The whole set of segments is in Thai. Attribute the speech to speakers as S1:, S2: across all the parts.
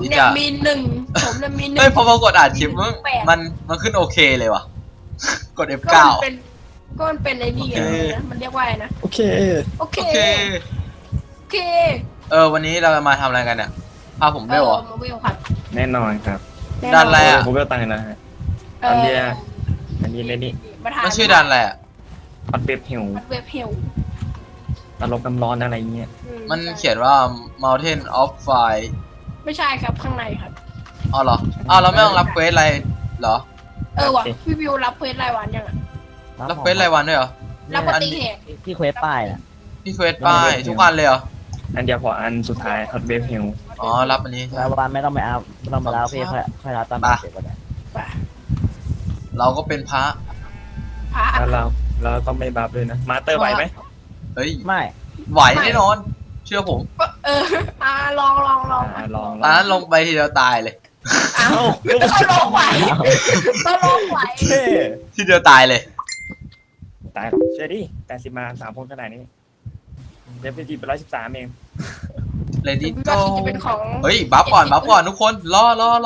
S1: เนี่ยมีหนึ่งผมเนี่ยมีหนึ่ง
S2: เฮ้ยพอมากดอ่านคลิปมันขึ้นโอเคเลยว่ะกด F9
S1: ก็มันเป็นไอ้นี่ไงนะมันเรียกว่าอะไรนะ
S3: โอเค
S1: โอเค
S2: โอเค
S1: โอเค
S2: วันนี้เราจะมาทำอะไรกันเนี่ยพาผมด้วยเหรอ
S1: มาเวลครับ
S3: แน่นอนครับ
S2: ดันอะไรอ่ะ
S3: ผมก็ตังค์นะฮะอันเนี้ยอันนี้เลยนี่
S2: มันชื่อดันอะไรอ่ะ
S3: ฮอตเว็บหิว
S1: เว็บเฮล
S3: ตลกน้ำร้อนอะไรเงี้ย
S2: มันเขียนว่า Mountain of Fire
S1: ไม่ใช่ครับข้างในครับ
S2: อ๋อเหรอเราไม่ต้องรับเควสอะไรเหรอ
S1: ว่ะพี่วิวรับเควสรายวันยังอ่ะ
S2: รับเควสรายวันด้วยเหรอ
S1: รับปฏิเหตุ
S4: ที่เควสป้ายน่ะ
S2: พี่เควสป้ายทุกวันเลยเหรอ
S3: อันเดียวพออันสุดท้ายฮอตเว็บหิว
S2: อ๋อรับอันนี้ใช่ไหม
S4: รายวันไม่ต้องไปเอาไม่ต้องไปแล้วพี่ค่อยรับตามเสร็จก็ได้
S1: ป่ะ
S2: เราก็เป็นพระ
S1: พระ
S3: แล้วเราต้องไม่บัฟเลยนะมาสเตอร์ไหวไหม
S2: เฮ้ย
S4: ไม่
S2: ไหวแน่นอน เชื่อผม
S1: ลอง
S3: ลอง
S2: ตอนนั้นลงไปทีเดียวตายเลย
S1: ก็ลองไหวก็ลองไหว
S3: เท่
S2: ทีเดียวตายเลย
S3: ตายเชื่อดิ80มา3คนขนาดนี้เดฟฟิจิเป็น113เอง
S2: Ready
S1: ก็
S2: go
S1: จะเป็นของ
S2: เฮ้ยบัฟก่อนทุกคนรอ
S1: รอ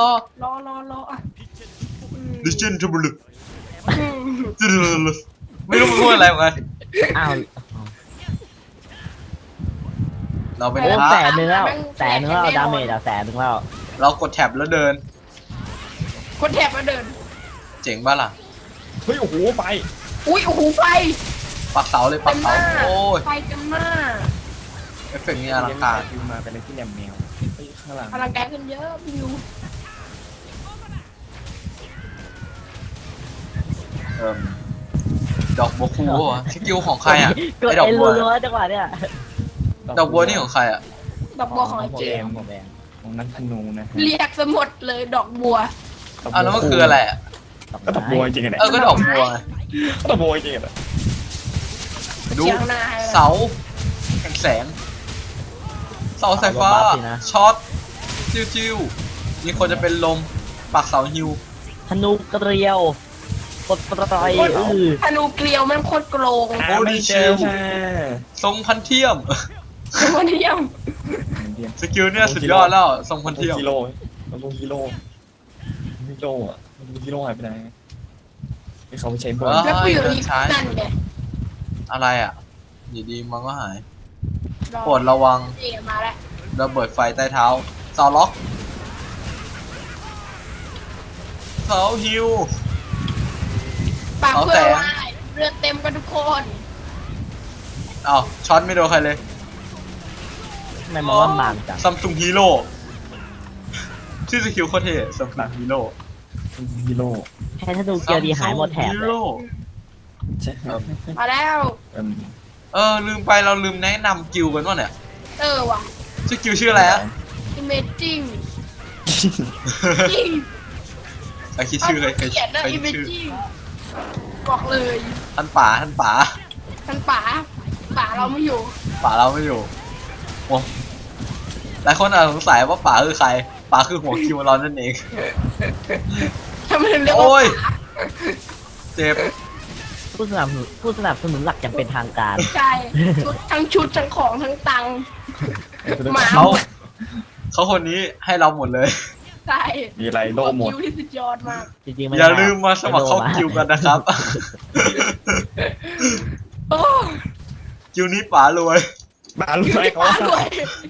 S2: Listen to me ไม่รู้มันพูดอะไรเหมือนกัน
S4: อ้าว
S2: เราเป็น
S4: โอ้
S2: พระ
S4: 100,000แล้ว100,000แล้วดาเมจอ่ะ100,000แล้ว
S2: เรากดแท็บแล้วเดิน
S1: คนแถบมาเดิน
S2: เจ๋งป่ะล่ะ
S3: เฮ้ยโอ้โหไป
S1: อุ้ยโอ้โหไฟ
S2: ปักเสาเลยปักเสาโอ้ย
S1: ไฟเต็มหน้า
S2: เอฟเฟกต์นี่อลังการ
S3: ฟิวมาเป็นอะไรที่แหลมแมวเฮ้ยข้างหลัง
S1: พลังกายขึ้นเยอะวิว
S2: ดอกบัวคู่วะสกิลของใครอ่ะ
S4: ก็
S2: ไอ้ดอก
S4: เอ็น
S2: บัว
S4: รัวๆจังหวะเนี้ย
S2: ดอกบัวนี่ของใครอ่ะ
S1: ดอกบัวของไอ้เจ
S4: เก
S1: ม
S4: มผมเอง
S3: ของนักธนูนะฮะ
S1: เรียกสมดเลยดอกบัว
S2: แล้วมันคืออะไรอ่ะ
S3: ก็ตบบัวจริงๆเนี่ย
S2: ก็ดอกบัวไง
S3: ก็ตบบัวจริงๆเนี่ย
S2: ดู
S1: เชียงหน้าให้
S2: เสาแห่งแสงเสาสายฟ้าช็อตจิ้วมีคนจะเป็นลมปักเสาฮิว
S4: ธนูเกลียวกดปล่อย
S1: ธนูเกลียวแม่งโคตรโกง
S3: หาไม่เจอค่ะ
S2: ทรงพันเทียม
S1: วันนี้ยัง
S2: สกิลเนี่ยสุดยอดแล้วทรงพันเทียม
S3: ฮีโร่มันลงฮีโร่อะฮีโร่หายไปไหนที่เขาไปใช้บอล
S1: แล้วกูอยู่นี่นั่นไง
S2: อะไรอ่ะดีๆมันก็หายโปรดระวัง
S1: เจมมาแล้ว
S2: ระเบิดไฟใต้เท้าเสาล็อกเสาฮิว
S1: ปากเพื่อว่าเลือดเต็มกันทุกคน
S2: อ้าวช็อตไม่โดนใครเลย
S4: ไม่มองว่ามันจัง
S2: ซัมซุงฮีโร่ชื่อสกิลโคตรเท่ซัมซุงฮีโร่
S3: ฮีโร่
S4: แค่ธนูเกลียวดีหายหมดแถบ
S2: ฮี
S4: เลย
S2: โร่
S3: ใช่
S1: มาแล้ว
S2: ลืมไปเราลืมแนะนำกิลกันว่าเนี่ย
S1: ว่ะ
S2: ชื่อกิลชื่ออะไรอะ
S1: Imaging จริง
S2: ใครคิดชื่อเลยใคร
S1: เขียนนะ
S2: คิดชื่อ
S1: Imaging บอกเลย
S2: ท่านป๋า
S1: ท่านป๋าเราไม่อยู่
S2: ป๋าเราไม่อยู่โอ้หลายคนอาจสงสัยว่าป๋าคือใครป๋าคือหัวคิวเรานั่นเอง
S1: ทำไมถึงเรียกว่า
S2: โอ้ยเจ็บ
S4: ผู้สนับสนุนหลักอย่างเป็นทางการ
S1: ใช่ชุดทั้งของทั้งตังค์หมา
S2: เขาคนนี้ให้เราหมดเลย
S1: ใช่
S3: มีไรโล่หมด
S1: คิวที่สุดยอดมาก
S4: จริงๆไม่
S2: อย่าลืมมาสมัครเข้ากิวกันนะครับ
S1: โอ้
S2: กิวนี้ป๋ารวย
S3: บ้ารู้ไหมเขา
S1: ป๋า
S3: ว่าร
S1: วย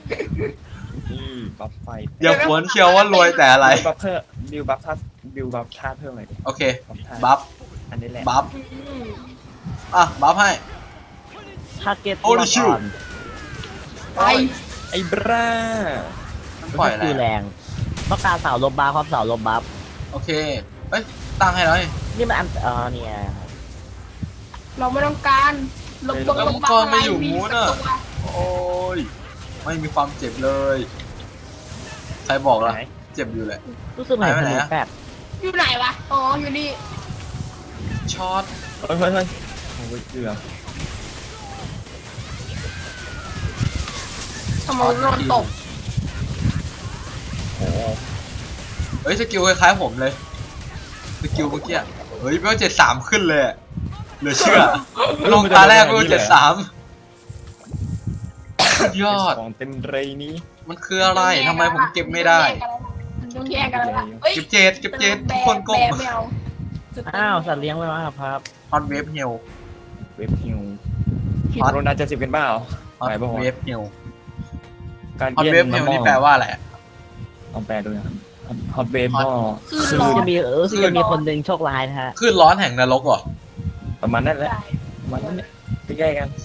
S3: บัฟไฟ
S2: อย่าผวนเชียวว่ารวยแต่อะไร
S3: บัฟเพิ่มบิวบัฟท่าเพิ่มหน่อยดิ
S2: โอเค
S3: บั
S2: บัฟ
S3: อันนี้แหละ
S2: บัฟบัฟให้
S4: ทาร์เก็ต
S2: โอ้ดิชิว
S1: ไป
S3: ไอ้บรา
S2: ปล่อยอะไร
S4: คือแรงต้องการเสาลบบัฟครับเสาลบบัฟ
S2: โอเคเอ้ยตั้งให้แล้วนี่
S4: นี่มันเนี่ย
S1: เราไม่ต้องการลบ
S2: แล้วมังกรมาอยู่มูนอ่ะโอ้ยไม่มีความเจ็บเลย ใครบอกล่ะเจ็บอยู่แหละ
S4: รู้สึกเหมือนธนูแปด
S1: อยู่ไหนวะอ๋ออยู่นี่
S2: ช็อต
S3: เฮ้ยโอ้ยเกือบ
S1: ทำไมนอนตก
S3: โอ้
S2: เฮ้ยสกิลคล้ายๆผมเลยสกิลเมื่อกี้เฮ้ยเวล73ขึ้นเลยเหลือเชื่อลงตาแรกเวล73ยอด
S3: ของเต็มเรนี้
S2: มันคืออะไรทำไมผมเก็บไม่ได้
S1: ต้องแยกกันแล้วล่ะเฮ้ย
S2: เก็บเจ็ดทุกคนก้ม
S1: แบไม่เอา
S4: อ้าวสัตว์เลี้ยงไว้มาครับ
S2: ฮอตเวฟเฮล
S3: เว็บฮิว
S2: ฮอต
S3: โรนัล70กันเปล่า
S2: ฮอต
S3: ไหนบ้างวะ
S2: เวฟเฮล
S3: การ
S2: ฮอต
S3: เยี่ย
S2: เวฟเฮลนี่แปลว่าอะไรอะ
S3: ลองแปลดูนะครับฮอตเวฟก็
S1: คือ
S3: คือ
S1: ร้อ
S4: จะ
S1: น
S4: มีคือจะมีคนหนึ่งโชคร้ายนะฮะ
S2: คลื่นร้อนแห่งนรกเหรอ
S3: ประมาณนั้นแหละ
S1: ใช่
S3: ประมาณนั้นเนี่ยใกล้ๆกัน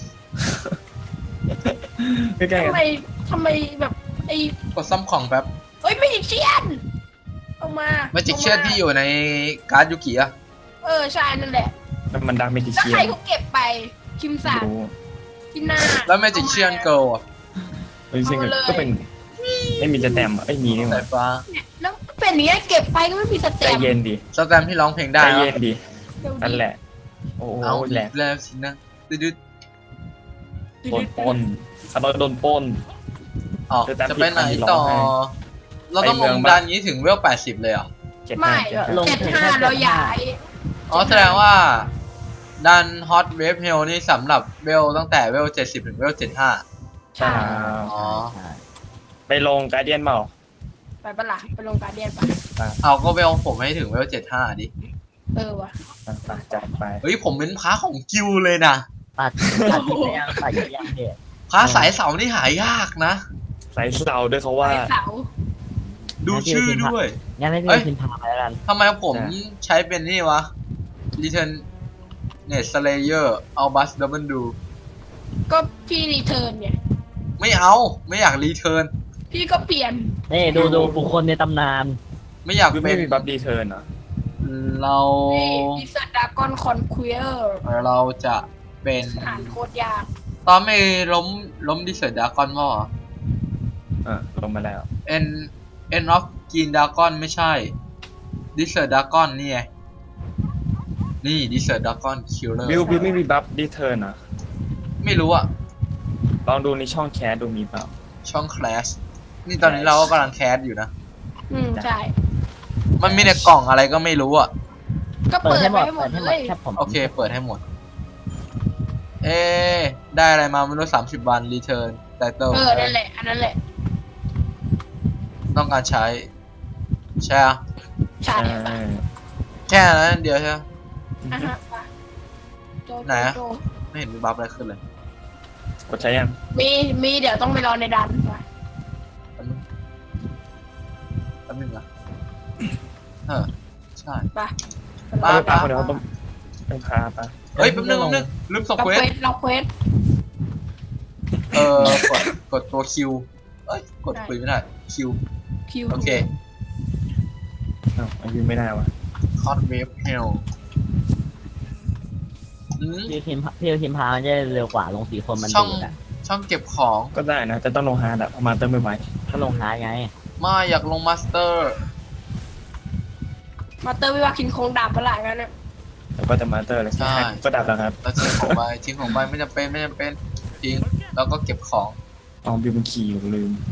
S3: ใกล้ๆกัน
S1: ทำไมแบบไอ้
S2: กดซ้ำของแป๊บ
S1: เฮ้ยไม่จิกเชียนเอามา
S2: แมจิกเชียนที่อยู่ในการ์ดยูกิอะ
S1: ใช่นั่นแหละ
S3: แล้วมันดังเมจิ
S1: แล้ว
S3: เชีย
S1: ใคร
S3: น
S1: เขาเก็บไปคิมสัน
S3: รู้
S1: ที่หน้า
S2: แล้วแมจิกเชียนเกิร์ลอะ
S3: เมจิเชียนก็เป็นไม่มีจะแต้มอ่ะไม่มีนี่ห
S2: สา
S3: ว่าย
S2: ฟ้า
S1: แล้วเป็นอย่างเงี้ยเก็บไปก็ไม่มีส
S3: ใจ
S1: เต็ป
S3: เย็นดิ
S2: สแตมป์ที่ร้องเพลงได้
S3: ใจ
S2: เหรอ
S3: เย็นดิ
S1: เดี๋ยว
S3: นั่นแหละ โอ้โห
S2: เอา
S3: แหละ
S2: แล้วสินะดึด
S3: โดนปล้นคาร์ลโดนปล้น
S2: ออกจะไปไหนต่อ เราต้องลงดันนี้ถึงเวล 80 เลยเหรอ
S1: ไม่
S4: ลง
S1: 75เราย้าย
S2: อ๋อแสดงว่าดันฮอตเวฟเฮลนี่สำหรับเวลตั้งแต่เวล 70 ถึงเวล 75
S1: ใช่
S2: อ๋อ
S3: ไปลงการเดียนเปล่า
S1: ไปปะล่ะไปลงการเดียนปะ
S2: เอาก็เวลผมให้ถึงเวล 75 ดิ
S1: ว่ะ
S3: ไปจัดไป
S2: เฮ้ยผมเป็นพระของกิวเลยนะ
S4: ปัดกินไปยังปัดกินไปยังเนี่ย
S2: พระสายเสานี่หายากนะ
S3: ใส่เสาด้วยเขา
S1: ไป
S3: ว่า
S1: เสา
S2: ดูชื่อด้วย
S4: งั้นให้พี่
S2: เอ้ย
S4: พิมพ์พาไปแล้วกัน
S2: ทำไมผมใช้เป็นนี่วะ Return Net Slayer Albus Double Do
S1: ก็พี่รีเทิร์นเนี่ย
S2: ไม่เอาไม่อยากรีเทิร์น
S1: พี่ก็เปลี่ยน
S4: นี่ดูบุคคลในตำนาน
S2: ไม่อยาก
S3: คือ
S2: เป็
S3: ไม่
S2: น
S3: มีบัฟดีเทิร์นเหรอ
S2: เรา
S1: นี่ดิสดากอนคอนควีเออร์
S2: เราจะเป็น
S1: อ่านโคตรยาก
S2: ตอนไม่ล้มดิเซอร์ดากอนว่า
S3: ลงมาแล้ว
S2: End of Green Dragon ไม่ใช่ดิเซอร์ดากอนนี่ไงนี่ดิเซอร์ดากอนคิลเลอร์
S3: บิวไม่มีบัฟดีเทิร์นเหรอ
S2: ไม่รู้อะ
S3: ลองดูในช่องแคสดูมีเปล่า
S2: ช่อง Clash นี่ตอนนี้เราก็กำลังแคสอยู่นะ
S1: ใช่
S2: มันมีในกล่องอะไรก็ไม่รู้อะ
S1: ก็
S4: เปิ
S1: เปิ
S4: ด
S1: ด
S4: ให้หม
S1: ไว้
S4: ด
S1: ให้หม
S4: เปิ
S1: ด
S4: ดให้หม
S1: เล
S4: ด
S1: ย
S4: แค่ผม
S2: โอเคเปิดให้หมด ได้อะไรมาไม่รู้30 วันรีเทิร์นไตเติล
S1: นั่นแหละอันนั้นแหละ
S2: ต้องการใช้ใช่อะ
S1: ใช่
S2: แค่นั้นเดียวใช่ไหม
S1: อ่ะฮะไปโจ
S2: ไหนอะ
S1: โจ
S2: ไม่เห็นมีบัฟอะไรขึ้นเลย
S3: กดใช้ยัง
S1: มีเดี๋ยวต้องไปรอในดันไป
S2: แป๊บนึงนะใช่
S1: ไป
S2: ป้า
S3: คนเดียวต้องพาไป
S2: เฮ้ยแป๊บนึงลืมส่ง
S1: เรา
S2: เคว
S1: เคว
S2: ส
S1: สเราเควส
S2: กดตัวคิวเอ้ยกดคุยไม่ได้คิว
S1: คิว
S2: โอเค
S3: อายุไม่ได้วะ
S2: คอร์ดเวฟเฮล
S4: พี่พิมพ์พามันจะเร็วกว่าลง4 คนมัน
S2: ช่อง
S4: ดูดอะ
S2: ช่องเก็บของ
S3: ก็ได้นะแต่ต้องลงฮาร์ดอะประมาณเติมไม่ไหว
S4: ก็ลงหาไง
S2: มาอยากลงมาสเตอร์
S1: มาเตอร์วิวาคินคงดาบประหลาดกันเนี่ย
S3: แล้วก็จะมาเตอร์เลยก็ดับแล้วครับ
S2: แล้วทิ้งของไปไม่จำเป็นทิ้งแล้วก็เก็บของ
S3: อ๋อบิวมันขี่อยู่ลืม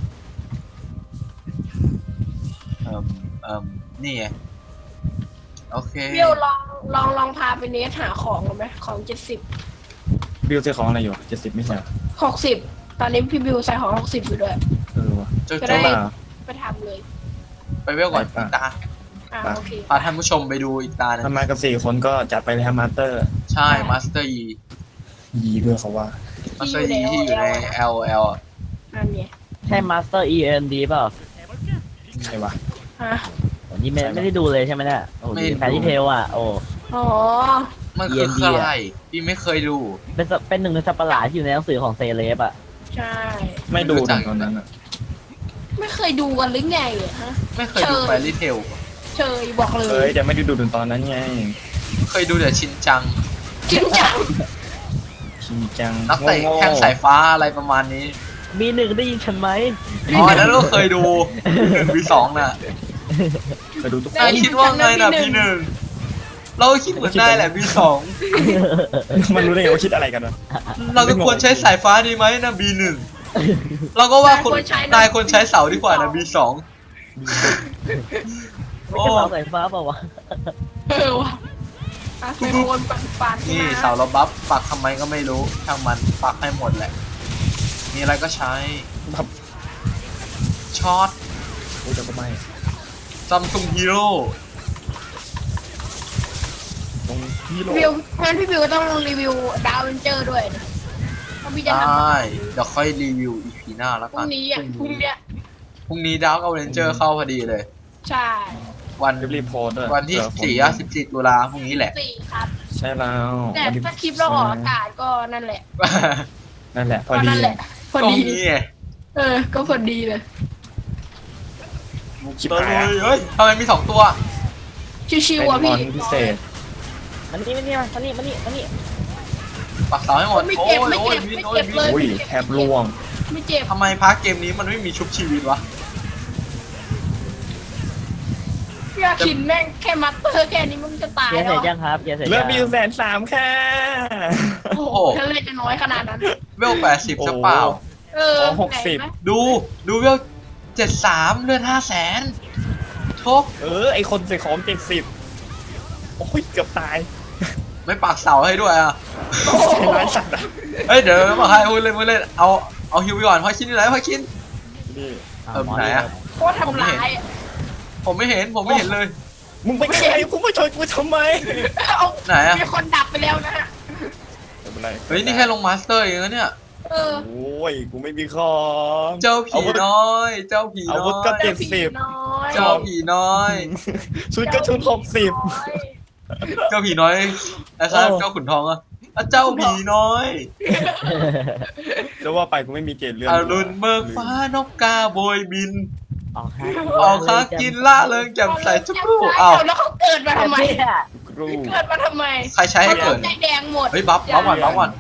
S2: นี่ไงโอเค
S1: วิวลองพาไปเนสหาของกันไหมของ70
S3: บิวซื้อของอะไรอยู่70ไม่ใช่
S1: 60ตอนนี้พี่บิวใส่ของ60อยู่ด้วย
S3: วะ
S2: โจ
S1: จะ
S2: โจ
S1: ได้
S3: บ้า
S1: ไปทำเลย
S2: ไปเวลก่อน
S3: ไปป่ะ
S2: อีกตา
S1: โอเค
S2: พาท่านผู้ชมไปดูอีกตาหนึง
S3: ถ้ามากัน4 คนก็จัดไปเลยครับมาสเตอร์
S2: ใช่มาสเตอร์
S3: ยีด้วยเขาว่า
S2: มาสเตอร์ที่อยู่ใน LL อะ
S1: นั่นไง
S4: ใช่ Master END เปล่า
S3: ใช่ปะ
S1: ฮะ
S4: วันนี้ไม่ได้ดูเลยใช่ไหมเนี่ยโอ้โหแฟนที่เทลอ่ะโอ้
S1: อ๋อ
S2: มันคือ
S4: END
S2: ใครพี่ไม่เคยดู
S4: เป็นหนึ่งในสัตว์ประหลาดที่อยู่ในหนังสือของเซเลบอ่ะ
S1: ใช่
S3: ไม่ดูตอนนั้นอะ
S1: ไม่เคยดูกันหรือไงอะฮะ
S2: ไม่เคยดูแฟรี่เทล
S1: เชยบอกเล
S3: เฮ้
S1: ย
S3: ยแต่ไม่ได้ดูตอนนั้นไง
S2: เคยดูแต่ชินจัง
S1: จริงจัง
S3: ชินจัง
S2: นักเตะแข้งสายฟ้าอะไรประมาณนี้
S4: มีหนึ่งได้ยินฉันไหม
S2: อ๋อแล้วก็เคยดู1v2น่ะ
S3: ไปดูทุกคน
S2: นายคิดว่าไงนะพี่หนึ่งเราก็คิดเหมือนนายแหละB2
S3: มันรู้ได้ไงว่าคิดอะไรกันวะ
S2: เราก็ควรใช้สายฟ้าดีไหมนะ B1 เราก็ว่าคนนายควรใช้เสาดีกว่านะ B2
S4: ไม่ใช่เสาสายฟ้าเปล่าวะ
S1: ว่ะใส่โคนปันๆ
S2: นี่เสาเราบัฟปักทำไมก็ไม่รู้ช่างมันปักให้หมดแหละมีอะไรก็ใช้
S3: แบบ
S2: ช็อต
S3: โอ้จะก็ไม่
S2: ซัมซุงฮีโร่
S3: ตรงที่โล
S1: วิวงั้นพี่วิวต้องรีวิวดาวเวนเจอร์ด้วยนะเพราะพี่จะ
S2: ได
S1: ทำ
S2: ้เดี๋ยวค่อยรีวิว EP หน้าแล้ว
S1: พ
S2: กั
S1: รุ่
S2: น
S1: งนี้อ่ะพรุ่งเนี้ย
S2: พรุ่งนี้ดาวกับเรนเจอร์เข้าพอดีเลย
S1: ใช่
S2: วัน
S3: รีบโพสต์ด้วย
S2: วันที่
S3: เผื่อคน
S2: 4 14 ตุลาพรุ่งนี้แหละ
S1: 4 ครับ
S3: ใช่แล้ว
S1: แต่
S3: วันที่
S1: ถ้าคลิปเราออกอากาศก็นั่นแหละ
S3: นั่นแหละพอ
S1: ก็
S3: ดี
S1: นั่นแหละพอ
S2: ตรง
S1: ดี
S2: นี้ไง
S1: ก็พอดีเลย
S3: ชิบ
S2: เฮ้
S3: หาย
S2: ยเฮ้ยทำไมมี2 ตัว
S1: ชิว
S3: เป็น
S1: ๆอ่ะ
S3: ม
S1: พี่
S3: อนพิเศษ
S4: มันนี่
S2: ปักเสาให้หมด
S1: ไม่
S2: โอ้
S1: เจ็บ
S2: ย
S1: ไม่
S2: โอ้ย
S1: เจ็บ
S2: วิน
S1: ไม่
S2: โอ้
S1: เจ็
S2: ย
S1: บ
S2: วิ
S1: เลย
S2: น
S3: อุ้ยแทบร่วง
S1: ไม่เจ็บ
S2: ทำไมพาร์ทเกมนี้มันไม่มีชุบชีวิตวะ
S1: พี่อาคินแม่งแค่มัตเตอร์แค่นี้มันจะตาย
S4: เกียร์
S1: แล้
S4: เสร็
S1: ว
S4: จยังครับเกียร์เสร็จ
S3: เริ่
S4: ยั
S3: ม
S4: ง
S3: มี130,000ค่ะ
S1: โอ้โหถ้าเลยจะน้อยขนาดนั้น
S2: เวล80จะเปล่า
S1: ไหนไหม
S2: ดูเวล73เลือด500,000โชค
S3: ไอคนใส่ของ70โอ้ยเกือบตาย
S2: ไม่ปักเสาให้ด้วยอ่ะ
S3: ใช้ร้ายสัตว์อะ
S2: เฮ้ยเดี๋ยวมาให้พูดเล่นเอาฮิวไปก่อนพอคินอยู่ไหนพอคิน
S3: นี่
S2: ไหนอะ
S1: โคตรทำร้ายอ่ะ
S2: ผมไม่เห็นเลย
S3: มึงไปไกลกูมาชนกูทำไม
S1: เอา
S2: ไหนอะ
S1: มีคนดับไปแล้วนะฮะ
S3: ไม่เป็นไร
S2: เฮ้ยนี่แค่ลงมาสเตอร์เองนะเนี่ย
S1: เออ
S3: โอ้ยกูไม่มีของ
S2: เจ้าผีน้อย เจ้าผี
S3: อา
S2: น้
S3: วุธ
S2: อ
S3: ก็
S2: ย
S3: เจ็ด
S1: ผีน้อย
S2: เจ้าผีน้อย
S3: ชุดก็ชุด60
S2: เจ้าผีน้อยนะครับ
S3: โอ้
S2: เจ้าขุนทองอะอ่ะเจ้าผีน้อย
S3: จะว่าไปกูไม่มีเกณฑ์เลื่อน
S2: อรุณเบิกฟ้านกกาโบยบิน
S4: ออกฮะ
S2: ออกค้ากินล่าเริงแจ่มใสจุกรูอ้าว
S1: แล้วเขาเกิดมาทำไม
S3: ครู
S1: เกิดมาทำไม
S2: ใครใช้ให้เกิด
S1: ใจแดงหมด
S2: เฮ้ยบัฟก่อนบัฟก่อน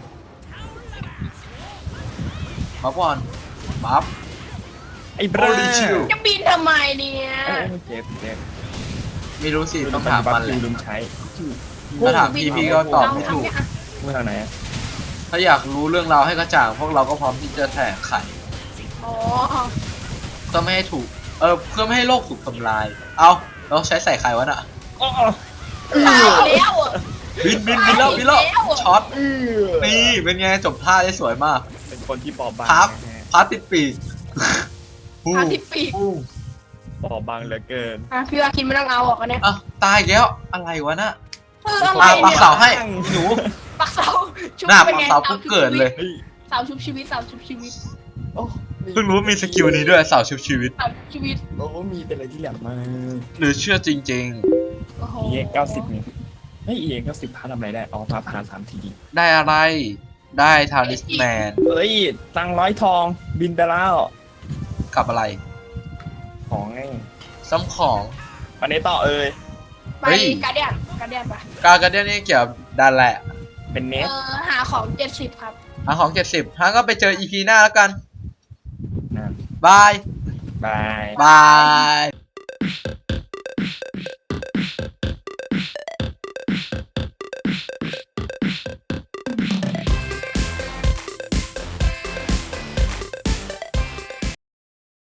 S3: ไอ้บรา
S2: Holy shield
S1: จะบินทำไมเนี่ย
S3: เจ็บ
S2: ไม่รู้สิต้องถามมันแหละ
S3: ลืมใช้
S2: ถ้าถามพี่ก็ตอบไม่ถูก
S3: พูดทางไหนอะ
S2: ถ้าอยากรู้เรื่องราวให้กระจ่างพวกเราก็พร้อมที่จะแถลงไข
S1: อ๋อ
S2: ก็ไม่ให้ถูกเพื่อไม่ให้โลกถูกทำลาย เอาเราใช้ใส่ไข่วะน่ะ
S3: อ๋อ
S1: ตายแล้วอ่ะ
S2: บินแล้วช็อต นี่เป็นไงจบท่าได้สวยมาก
S3: เป็นคนที่ปอบบาง
S2: พับ
S3: นะฮะ
S2: พาติดปีก
S1: พาทิตปีก
S3: ปอบบางเหลือเกิน
S1: พี่ว่าคินไม่ต้องเอาออกกันเนี่ย
S2: อ่ะตายอีกแล้วอะไรวะน่ะ
S1: อะไร
S2: ปัก
S1: เนี่ย
S2: เสาให้หนู
S1: ปักเสาชุบ
S2: หน้า
S1: เป็น
S2: ปัก
S1: ไง
S2: เสาปุ๊บเกิดเลย
S3: เฮ้ย
S1: เสาชุบชีวิตเสาชุบชีวิต
S3: โอ้
S2: เพิ่งรู้มีสกิลนี้ด้วยเสาชุบชีวิต
S1: เสาชุบชีวิต
S3: โอ้มีเป็นอะไรที่แหลมมาก
S2: หรือเชื่อจริง
S1: โอ้โห
S3: EX 90นี่เฮ้ย EX 90พาทำอะไรได้อ๋อพาผ่าน3 ที
S2: ๆ ได้อะไรได้ทาริสแมน
S3: เฮ้ยตัง100 ทองบินไปแล้ว
S2: กับอะไร
S3: ของไง
S2: ซ้ำของ
S3: วันนี้ต่อเอ้ย
S1: ไป
S2: เฮ้ย
S1: การเดียนปะ
S2: การเดียนนี่เกี่ยวกับดันแหละ
S3: เป็นเนส
S1: หาของ70ครับ
S2: หาของ70ฮะก็ไปเจอ EP หน้าแล้วกัน
S3: นะ
S2: บาย
S3: บาย
S2: บาย